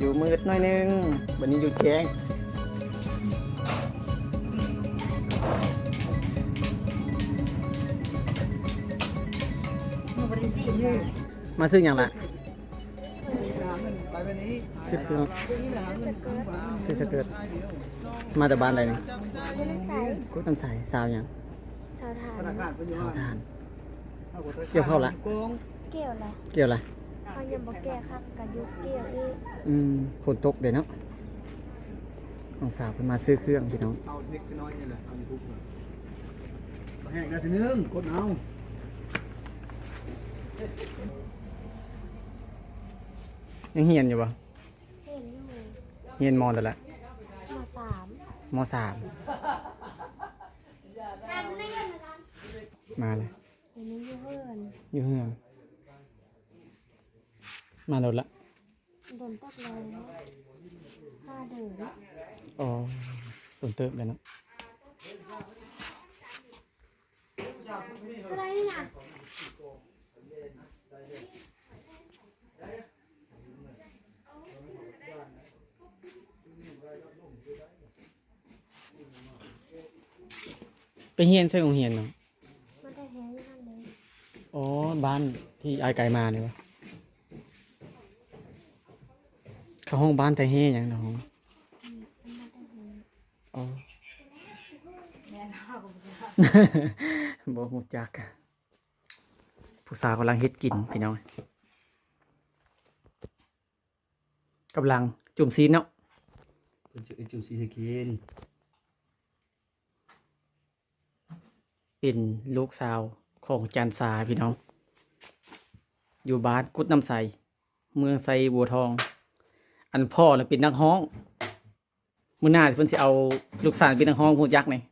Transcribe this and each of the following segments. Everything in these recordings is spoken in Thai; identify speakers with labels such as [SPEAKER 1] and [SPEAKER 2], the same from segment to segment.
[SPEAKER 1] อยู่มืดหน่อยนึงวันนี้อยู่แจ้งมาซื้ออย่างละซื้อเครื่องซื้อสเกิร์ตมาจากบ้านใดนี่กูตำใสสาวอย่าง
[SPEAKER 2] ชาวทาน
[SPEAKER 1] สาวทานเกี่ยวเข้าละ
[SPEAKER 2] เกี่ยวอะไร
[SPEAKER 1] เกี่ยวอะไร
[SPEAKER 2] เขายังบอกแก่ครับกับยุคเกี่ยวอีก
[SPEAKER 1] ฝนตกเดี๋ยวเนาะน้องสาวเพิ่นมาซื้อเครื่องพี่น้อง
[SPEAKER 3] เอาเล็กน้อยนี่แหละเอาทุกเลยแห้งได้ทีนึงกดเอา
[SPEAKER 1] ยังเฮียนอยู่ปะ
[SPEAKER 2] เห็นอยู่
[SPEAKER 1] เฮียนมอแต่ละ
[SPEAKER 2] ม.3
[SPEAKER 1] ม.3มาเลย
[SPEAKER 2] เห็นนี้อยู่เพื่อน
[SPEAKER 1] อยู่เฮือนมาโดนละ
[SPEAKER 2] โดนตกเลย5 เดือน
[SPEAKER 1] อ๋อฝนเติมเลยเนาะ
[SPEAKER 2] อะไรนี่นะ
[SPEAKER 1] ไปเฮียนใช่ของเฮียนเนาะ
[SPEAKER 2] มันได้แห้งอยู่นั่นเลย
[SPEAKER 1] อ๋อบ้านที่อายไก่มาเนี่ยวะเข้าห้องบ้านแต่เฮียอย่างเนาะ
[SPEAKER 2] มันได้แห้ง
[SPEAKER 1] อ๋อ บ่ฮู้จักผู้สาวกำลังเฮ็ดกินพี่น้องกำลังจุ่มซีนเนาะ
[SPEAKER 3] เป็นจุ่มสีตะกิน
[SPEAKER 1] เป็นลูกสาวของจันสาพี่น้อง อยู่บ้านกุดน้ำใสเมืองไซบัวทอง อันพ่อน่ะเป็นนักฮ้องมื้อหน้าเพิ่นสิเอาลูกสาวเป็นนักฮ้องฮู้จักนี่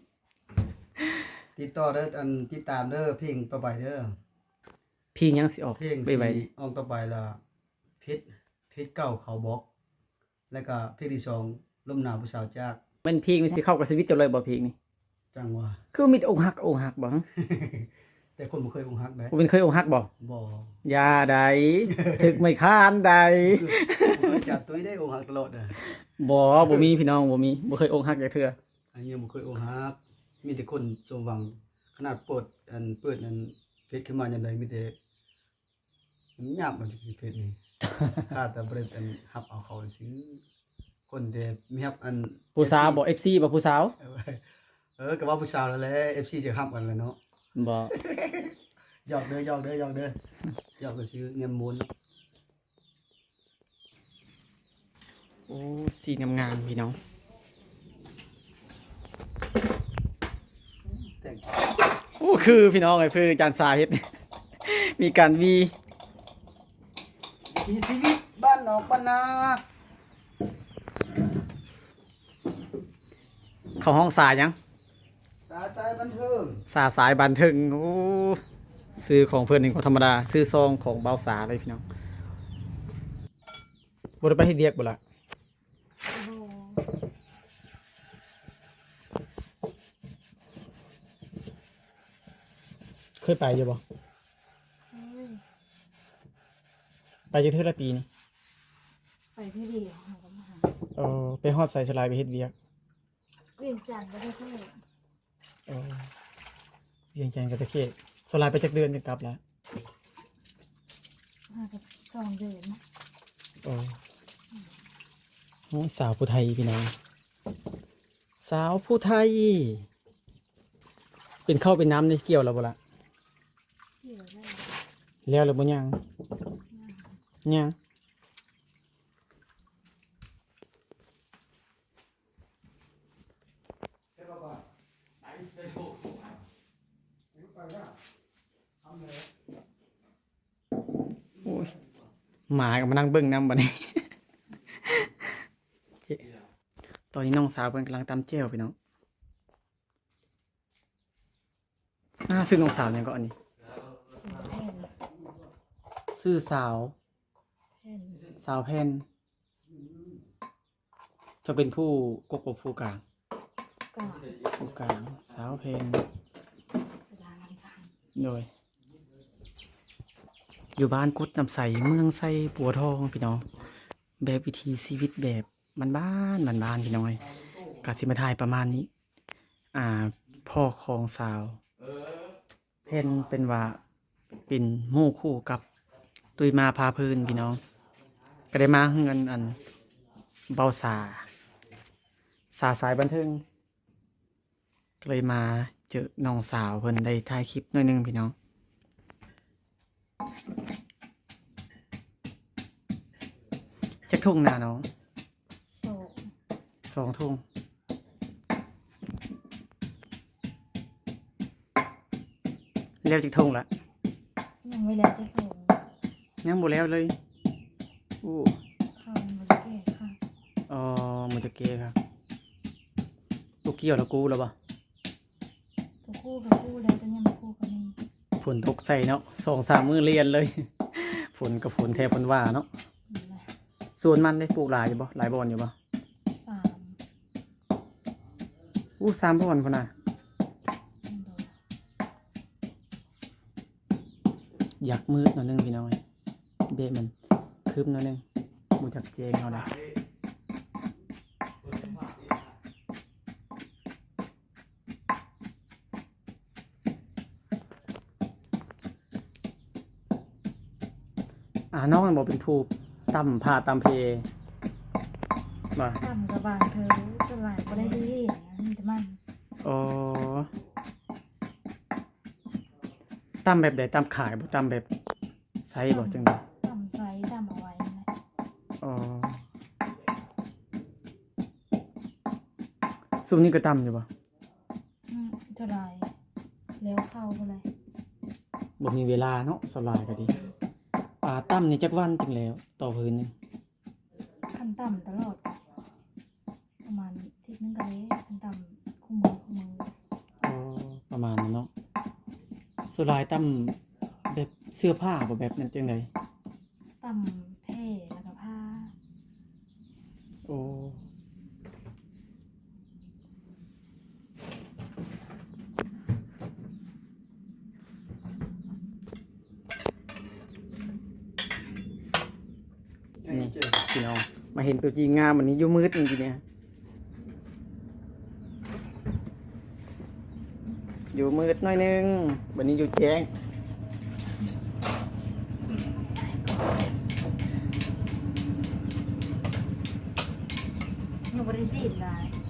[SPEAKER 3] ติดต่อเด้ออันติดตามเด้อเพลงต่อไปเด้อ
[SPEAKER 1] พี่ยังสิออก
[SPEAKER 3] เพลง
[SPEAKER 1] ไป
[SPEAKER 3] สี
[SPEAKER 1] ไว้
[SPEAKER 3] ออกต่อไปละเพชรเก่าเขาบอกแล้วก็เพลงที่สองลมหนาวผู้สาวจาก
[SPEAKER 1] มันเพลงมันสิเข้ากับชีวิตเจ้าเลยบ่เพลงนี่
[SPEAKER 3] จังหว่า
[SPEAKER 1] คือมีแต่อกหักอกหักบ่ฮะ
[SPEAKER 3] แต่คนบ่เคยอกหักได้
[SPEAKER 1] บ่เป็นเคยอกหักบ่
[SPEAKER 3] บ่
[SPEAKER 1] ยาใด ถึกไม่ค้านใด
[SPEAKER 3] เคยจัดตุ้ยได้อกหักตลอดอ่ะ
[SPEAKER 1] บ่มีพี่น้องบ่มีบ่เคยอกหักจักเทื่อ
[SPEAKER 3] อันนี้บ่เคยอกหักมีแต่คนสมหวังขนาดเปิดอันเฟซขึ้นมายามใดมีแต่มันยากมันจะเฟซนี่ ข้าแต่บ่ได้อันรับเอาเขาซื้อคนแต่มีรับอัน
[SPEAKER 1] ผู้สาวบ่ FC บ่ผู้สาว
[SPEAKER 3] ก็ว่าผู้สาวแล้วแหละ FC จะรับกันแล้วเนาะ
[SPEAKER 1] บ่
[SPEAKER 3] หยอกเด้อหยอกก็ซื้อเงินมูล
[SPEAKER 1] โอ้สีงามๆพี่น้อง
[SPEAKER 3] แต่ง
[SPEAKER 1] โอ้คือพี่น้องไอ้คือจานสาเฮ็ด มีการวี
[SPEAKER 3] ที่ชีวิตบ้านนอกบ้านนา
[SPEAKER 1] เข้าห้องสายยัง
[SPEAKER 3] สาสายบันเทิง
[SPEAKER 1] สายบันเทิงโอ้ซื้อของเพิ่นนี่ก็ธรรมดาซื้อซองของเบาสาเลยพี่น้องบ่ได้ไปเฮ็ดเวียกบ่ล่ะ
[SPEAKER 2] โอ้โห
[SPEAKER 1] เคยไปอยู่บ่
[SPEAKER 2] เฮ้ย
[SPEAKER 1] ไปอยู่เทื่อละปีนี่
[SPEAKER 2] ไปที่เดียวหาก็มาหา
[SPEAKER 1] ไปฮอดไสสลายไปเฮ็ดเวียก
[SPEAKER 2] เวียงจันทร์ก็ได้เพื่อน
[SPEAKER 1] เวียงจันทน์กับตะเคียนสลายไปจักเดือนจะกลับแล้ว
[SPEAKER 2] น่าจะ2 เดือน
[SPEAKER 1] โอ้ยสาวผู้ไทยพี่น้อง สาวผู้ไทย เป็นข้าวเป็นน้ำนี่เกี่ยวแล้วบ่ล่ะ
[SPEAKER 2] เกี่ยวได้
[SPEAKER 1] แล้วหรือบ่ยังยังโอ้ยหมาก็มานั่งเบิ่งน้ำบัดนี้ เจ๊ตอนนี้น้องสาวเพิ่นกำลังตำเจียวพี่น้องซื้อน้องสาวยังก็อันนี้
[SPEAKER 2] แผ่น
[SPEAKER 1] ซื้อสาว
[SPEAKER 2] แผ่น
[SPEAKER 1] สาวแผ่นจะเป็นผู้กกผู้กลาง
[SPEAKER 2] ก็
[SPEAKER 1] ผู้กลางสาวแผ่น
[SPEAKER 2] เวลาลำพัง
[SPEAKER 1] โดยอยู่บ้านกุดน้ำใสเมืองไซปัวทองพี่น้องแบบวิถีชีวิตแบบบ้านๆบ้านๆพี่น้องเอ้ยก็สิมาถ่ายประมาณนี้ พ่อของสาวเพิ่นเป็นว่าเป็นหมู่คู่กับตุยมาพาเพลินพี่น้อง ก็ได้มาเฮือนอันเบาสาสายบันเทิงก็เลยมาเจอน้องสาวเพิ่นได้ถ่ายคลิปหน่อยหนึงพี่น้องจักทุ่งนาน้อง
[SPEAKER 2] โศก
[SPEAKER 1] 2 ทุ่งแล้วจักทุ่งละ
[SPEAKER 2] ยังไม่แล้วจะโถง
[SPEAKER 1] ยังบ่แล้วเลยอู้
[SPEAKER 2] ข้าวมันบ่ได้แก่ค่ะ
[SPEAKER 1] อ๋อมันจะเกครับลูกเกี่ยวแล้วกูแล้วบ่
[SPEAKER 2] ตัวคู่กับคู่แล้วแต่ยังบ่คู่กับนี่
[SPEAKER 1] ฝนตกใส่เนาะ2-3 มื้อเรียนเลย ฝนกับฝนแท้ฝนว่าเนาะ
[SPEAKER 2] นี่แหละ
[SPEAKER 1] ส่วนมันได้ปลูกหลายอยู่บ่หลายบ่อนอยู่บ่
[SPEAKER 2] สาม
[SPEAKER 1] อู้3 บ่อนพุ่นน่ะ
[SPEAKER 2] อันโด
[SPEAKER 1] อยากมืดหน่อยนึงพี่น้อยเบะมันคืบหน่อยนึงบ่จักเจงเฮาได้น้องมันบ่เป็นทูบต่ำผ้าตามเพบ่
[SPEAKER 2] ต่ำกับบางเธอจะหลายบ่ได้ที่นะมีแต่มัน
[SPEAKER 1] อ๋อต่ำแบบใดต่ำขายบ่ต่ำแบบไซส์บ่จังได๋
[SPEAKER 2] ต่ำไซส์ต่ำเอาไว้นั่นแหละ
[SPEAKER 1] อ๋อซุมนี้ก็ต่ำอยู่บ่
[SPEAKER 2] จะหลายแล้วเข้าบ่เลย
[SPEAKER 1] บ่มีเวลาเนาะสลายก็ดีต่ำนี่จักวันจังแล้วต่อพื้นหนึง
[SPEAKER 2] ขั้นต่ำตลอดประมาณอาทิศนึงก็ได้ขั้นต่ำคู่มือ
[SPEAKER 1] อ๋อประมาณนั้นเนาะสลายต่ำแบบเสื้อผ้าบ่แบบนั้นจังได๋
[SPEAKER 2] ต่ำแพร่แล้วก็ผ้า
[SPEAKER 1] โอ้นี่พี่น้องมาเห็นตัวจริงงามวันนี้อยู่มืดจริงๆเนี่ยอยู่มืดหน่อยนึงวันนี้อยู่แจ้ง
[SPEAKER 2] ยังบ่ได้ซีบได้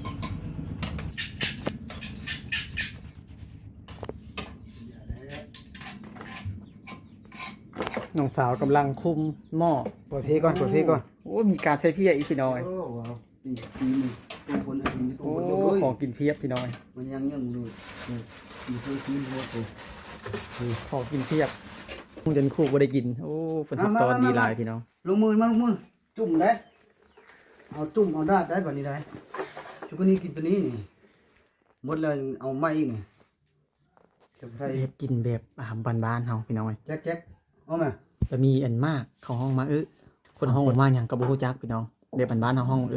[SPEAKER 1] น้องสาวกำลังคุมหม้อ
[SPEAKER 3] เปิดเพลงก่อนเปิดเพลงก่อน
[SPEAKER 1] โอ้มีการใช้เพียอีกพี่น้อย
[SPEAKER 3] โอ้ว้าวนี่ตัวคนอันนี้ตัว
[SPEAKER 1] โอ้
[SPEAKER 3] คนเลย
[SPEAKER 1] ของกินเพียบพี่น้อย
[SPEAKER 3] มันยังดูมีเพื่อนซีนโหดเลย
[SPEAKER 1] ของกินเพียบคงจนคู่บ่ได้กินโอ้ฝนตกตอนดีหลายพี่น้อง
[SPEAKER 3] ลงมือมาลงมือจุ่มได้เอาจุ่มเอาดาดได้แบบนี้ได้ชุกนี้กินตัวนี้นี่หมดแล้วเอาไม้อีกนี่เก็บไทย
[SPEAKER 1] เฮ็ดกินแบบอาหารบ้านๆเฮาพี่น้อย
[SPEAKER 3] แจ๊กเอามา
[SPEAKER 1] จะมีอันมากเข้าห้องมาคนห้องมาหยังก็บ่ฮู้จักพี่น้องเด็กบ้านๆเฮาห้อง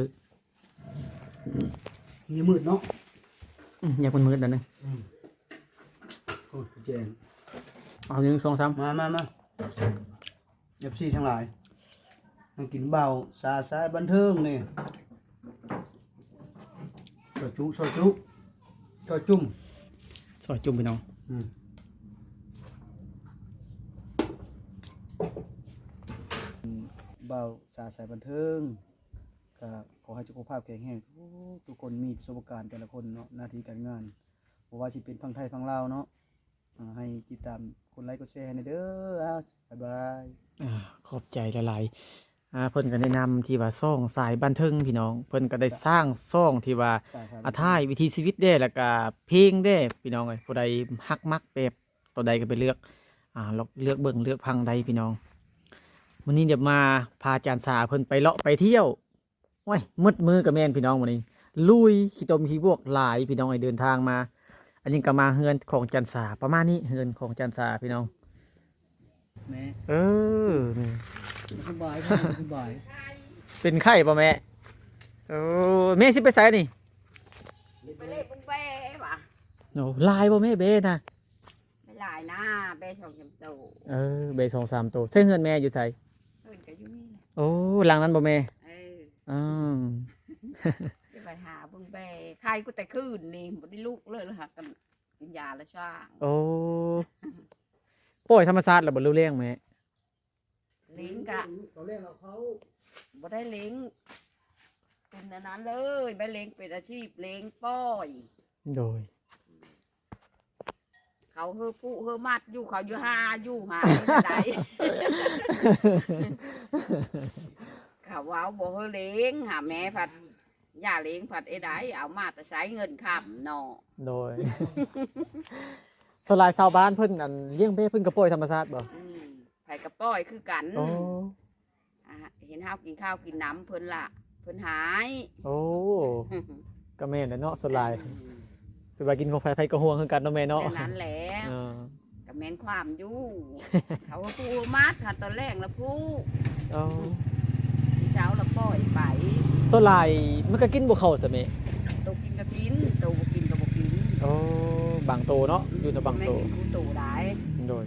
[SPEAKER 3] มีมืดเนาะ
[SPEAKER 1] อยากมันมืดแล้วนึง
[SPEAKER 3] โอ้เจน
[SPEAKER 1] เอา1 2 3
[SPEAKER 3] มาเอฟซีทั้งหลายมากินเบาซาซาบันเทิงนี่ซอยจุซอยจุซอยจุ่ม
[SPEAKER 1] ซอยจุ่มพี่น้อง
[SPEAKER 3] เบาสาสายบันเทิงก็ขอให้สุขภาพแข็งแรงทุกคนมีประสบการณ์แต่ละคนเนาะหน้าที่การงานเพราะว่าสิเป็นฝั่งไทยฝั่งลาวเนาะให้ติดตามคนไลค์กดแชร์ให้หน่อยเด้อบ๊ายบาย
[SPEAKER 1] ขอบใจหลายๆเพิ่นก็แนะนำที่ว่าซ่องสายบันเทิงพี่น้อง เพิ่นก็ได้สร้างซ่องที่ว่า
[SPEAKER 3] สายครับ
[SPEAKER 1] ท้ายวิถีชีวิตเด้แล้วก็เพลงเด้พี่น้องเอ้ยผู้ใดฮักมักแบบตัวใดก็ไปเลือกเลือกเบิ่งเลือกพังใดพี่น้องวันนี้เดี๋ยวมาพาอาจารย์สาเพิ่นไปเลาะไปเที่ยวโอ้ยมืดมือกับแม่นพี่น้องวันนี้ ลุยขี้ตมขี้บวกหลายพี่น้องไอ้เดินทางมา อันนี้ก็มาเฮือนของอาจารย์สาประมาณนี้เฮือนของอาจารย์สาพี่น้อง
[SPEAKER 3] แม่
[SPEAKER 1] นี่
[SPEAKER 3] สบายสบาย
[SPEAKER 1] เป็นไข้ป่ะแม่แม่สิไปไสนี่
[SPEAKER 4] ไปเล่นบุ้งเบ้ปะ
[SPEAKER 1] โอ้ลายป่ะแม่เบ้นะ
[SPEAKER 4] ไม่หลายนะเบ้สองจำโต
[SPEAKER 1] เบ2-3ตัวใส่เฮือนแม่อยู่ไส
[SPEAKER 4] เอินก็อยู่นี่แหละ
[SPEAKER 1] โอ้หลังนั้นบ่แม่
[SPEAKER 4] เออ
[SPEAKER 1] อืม
[SPEAKER 4] จะไปหาเบิ่งแบใครก็แต่คืนนี่บ่ได้ลุกเลยแล้วหากันกินยาแล้วช่าง
[SPEAKER 1] โอ้ป่วยธรรมชาติแล้วบ่รู้เรื่องไหม
[SPEAKER 4] เลี้ยงกะ
[SPEAKER 3] ตอนแรกเราเขา
[SPEAKER 4] บ่ได้เลี้ยงเป็นอันนั้นเลยไปเลี้ยงเป็นอาชีพเลี้ยงป้อย
[SPEAKER 1] โดย
[SPEAKER 4] เขาเฮอผู้เฮอมัดอยู่เขาอยู่หาอยู่หาได เขาเว้าบ่เฮอเลี้ยงหาแม่ผัดย่าเลี้ยงผัดไอ้ไดเอามาแต่ใช้เงินค้ำเนาะ
[SPEAKER 1] โดย สลายชาวบ้านเพิ่นอันเลี้ยงเบ้เพิ่นก็ป่วยธรรมชาติบ่
[SPEAKER 4] ไผกระป้อยคือกัน
[SPEAKER 1] โอ้
[SPEAKER 4] อ่ะเห็นเฮากินข้าวกินน้ำเพิ่นละเพิ่นหาย
[SPEAKER 1] โอ้ก็แม่นแหละเนาะสลายคือว่ากินของไผก็ห่วงคือกันเนาะแม่เนาะ
[SPEAKER 4] แค่นั้นแหละ
[SPEAKER 1] เออ
[SPEAKER 4] กับแม่นความอยู่ เขาก็พูมัดค่ะตอนแรกแล้วพู
[SPEAKER 1] อ๋อ
[SPEAKER 4] ที่เช้าแล้วปล่อยไป
[SPEAKER 1] สลายมันก็กินบ่เข้าซะแม่
[SPEAKER 4] โตกินก็กินโตบ่กินก็บ่กิน
[SPEAKER 1] โอ้บางโตเนาะอยู่ในบางโต
[SPEAKER 4] แม่กินกูโตได้
[SPEAKER 1] โดย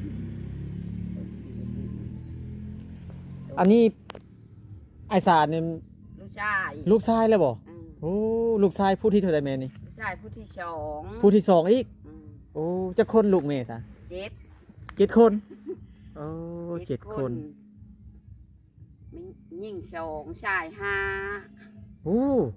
[SPEAKER 1] อันนี้ไอสารเนี่ย
[SPEAKER 4] ลูกชาย
[SPEAKER 1] ลูกชายแล้วบ่
[SPEAKER 4] อืม
[SPEAKER 1] โอ้ลูกชายผู้ที่เท่าใดแม่นี่
[SPEAKER 4] ลูกชายผู้ที่สอง
[SPEAKER 1] ผู้ที่สองอีก
[SPEAKER 4] อืม
[SPEAKER 1] โอ้จะคนลูกแม่ซะ
[SPEAKER 4] เจ็ด
[SPEAKER 1] 7 คนโอ้7 คน
[SPEAKER 4] มียิ่งสองชายห้า
[SPEAKER 1] โอ้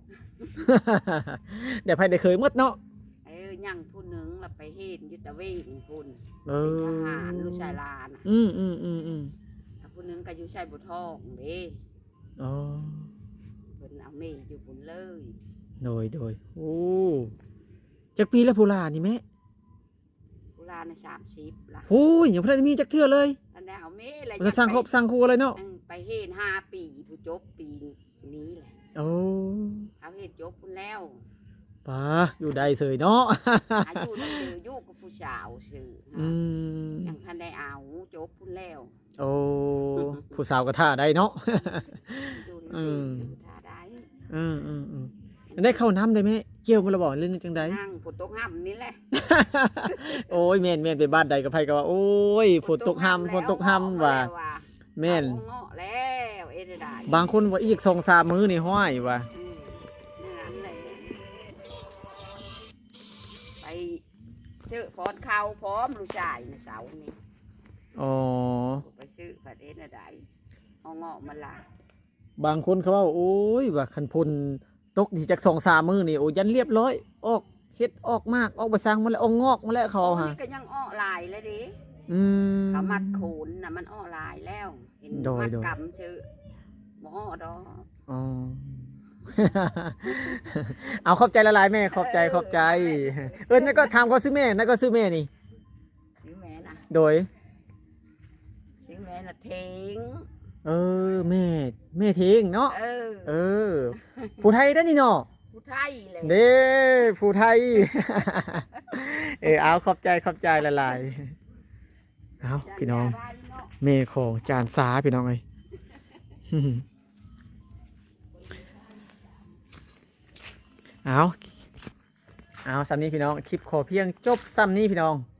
[SPEAKER 1] เดี๋ยวภายได้เคยหมดเนาะ
[SPEAKER 4] ยังผู้หนึ่งเราไปเฮ็ดอยุตะเวนพุ่น
[SPEAKER 1] เอ
[SPEAKER 4] เป็น
[SPEAKER 1] อ
[SPEAKER 4] ทหารลูกชายลาน่ะ
[SPEAKER 1] อืม
[SPEAKER 4] แล้วผู้หนึ่งก็อยู่ชายบุทองเด้
[SPEAKER 1] อ๋อ
[SPEAKER 4] เพิ่นเอาเมย์อยู่พุ่นเลย
[SPEAKER 1] โดยโอ้จักปีแล้วผู้หลานนี่แม่
[SPEAKER 4] ผู้ลาใน30ล่ะ
[SPEAKER 1] โอ้ยยังบ่ได้มีจักเทื่อเลย
[SPEAKER 4] อันนี้เอาเมย์เลย
[SPEAKER 1] มันก็สร้างครอบสร้างครัวเลยเนาะ
[SPEAKER 4] ไปเฮ็ด5 ปีผู้จบปีนี้แหละ
[SPEAKER 1] โอ้
[SPEAKER 4] เขาเฮ็ดจบพุ่นแล้ว
[SPEAKER 1] ป้าอยู่ได้เสยเนาะ
[SPEAKER 4] อายุนั่นคืออยู่กับผู้สาวซื่อ
[SPEAKER 1] อืม
[SPEAKER 4] ยังทันได้เอาจบพุ่นแล้ว
[SPEAKER 1] โอ้ผู้สาวก็ท่าได้เนาะ
[SPEAKER 4] อยู่
[SPEAKER 1] อืม
[SPEAKER 4] อยู่ท่าได้
[SPEAKER 1] ได้เข้าน้ำได้ไหมเกี่ยวมันระบอกเรื่องจังใด
[SPEAKER 4] นั่งฝนตกห้ำนี่แหละ
[SPEAKER 1] โอ้ยแม่นไปบ้านใดกับไผก็ว่าโอ้ยฝนตกห้ำว่ะแม่น
[SPEAKER 4] เอาเงาะแล้วเอ็ดได้
[SPEAKER 1] บางคนว่าอีก2-3 มื้อนี่ห้อยว่ะ
[SPEAKER 4] นั่นแหละไปซื้อพอนข้าวพร้อมลูกชายในเสาร์นี่
[SPEAKER 1] อ๋อ
[SPEAKER 4] ไปซื้อผัดเอ็ดได้เอาเงาะมาละ
[SPEAKER 1] บางคนเขาว่าโอ้ยว่าคันพลตกนี่จาก2-3 มื้อนี่โอ้ยันเรียบร้อยออกเฮ็ดออกมากออกบ่ซังมาแล้วออกงอกมาแล้วเขาเอา
[SPEAKER 4] โอ้
[SPEAKER 1] หา
[SPEAKER 4] นี่ก็ยังอ้อลายเลยดิ
[SPEAKER 1] อืม
[SPEAKER 4] เขามัดโขนน่ะมันอ้อลายแล้ว เห็น
[SPEAKER 1] โดย
[SPEAKER 4] มัด
[SPEAKER 1] โดย
[SPEAKER 4] กำชื่อหมอดอก
[SPEAKER 1] อ๋อ เอาขอบใจละลายแม่ขอบใจนั่นก็ทำเขาซื้อแม่นั่นก็ซื้อแม่นี่
[SPEAKER 4] ซื้อแม่นะ
[SPEAKER 1] โดย
[SPEAKER 4] ซื้อแม่น่ะเทง
[SPEAKER 1] เออแม่ทิ้งเนาะ เออ ผู้ไทยได้อนี่เนาะ
[SPEAKER 4] ผู้ไทยเลย
[SPEAKER 1] เด้ผู้ไทย เอาขอบใจละลายเอาพี่น้องแม่ของจานสาพี่น้องเอ้ย เอาซ้ำนี้พี่น้องคลิปขอเพียงจบซ้ำนี้พี่น้อง